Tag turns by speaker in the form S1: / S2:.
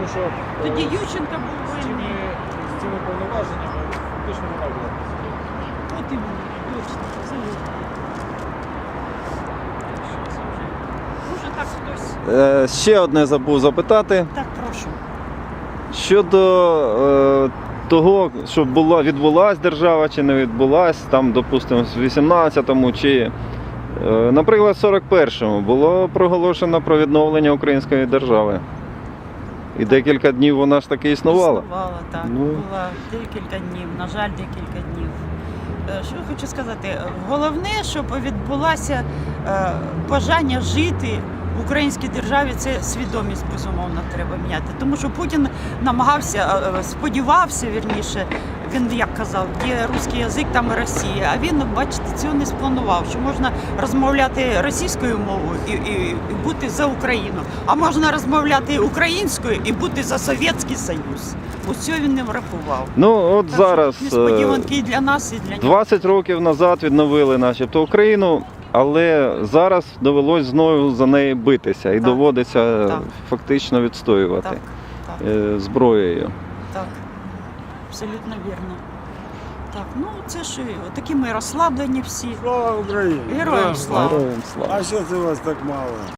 S1: Тому що
S2: Тоді Ющенко був
S1: з
S2: винний.
S1: цими повноваженнями фактично вона була.
S2: От і точно, абсолютно. Може так хтось.
S3: Ще одне забув запитати.
S2: Так, прошу.
S3: Щодо того, що відбулась держава чи не відбулась, там, допустимо, в 18-му чи, наприклад, в 41-му було проголошено про відновлення української держави. І декілька днів вона ж таки існувала.
S2: Існувала, так.
S3: Ну.
S2: Була декілька днів, на жаль, декілька днів. Що я хочу сказати? Головне, щоб відбулося бажання жити в українській державі, це свідомість, безумовно, треба міняти. Тому що Путін намагався, сподівався, вірніше, він як казав, є русський язик, там і Росія. А він, бачите, цього не спланував, що можна розмовляти російською мовою і бути за Україну, а можна розмовляти українською і бути за Совєтський Союз. Ось цього він не врахував.
S3: Ну, от
S2: Так
S3: зараз,
S2: що несподіванки і для нас, і для нього.
S3: 20 років назад відновили начебто Україну, але зараз довелось знову за неї битися і
S2: Так.
S3: доводиться
S2: Так.
S3: фактично відстоювати
S2: Так, так.
S3: Зброєю.
S2: Так, абсолютно вірно. Так, ну це ж такі ми розслаблені всі.
S4: Слава Україні!
S2: Героям слава!
S3: Героям слава!
S4: А що це вас так мало?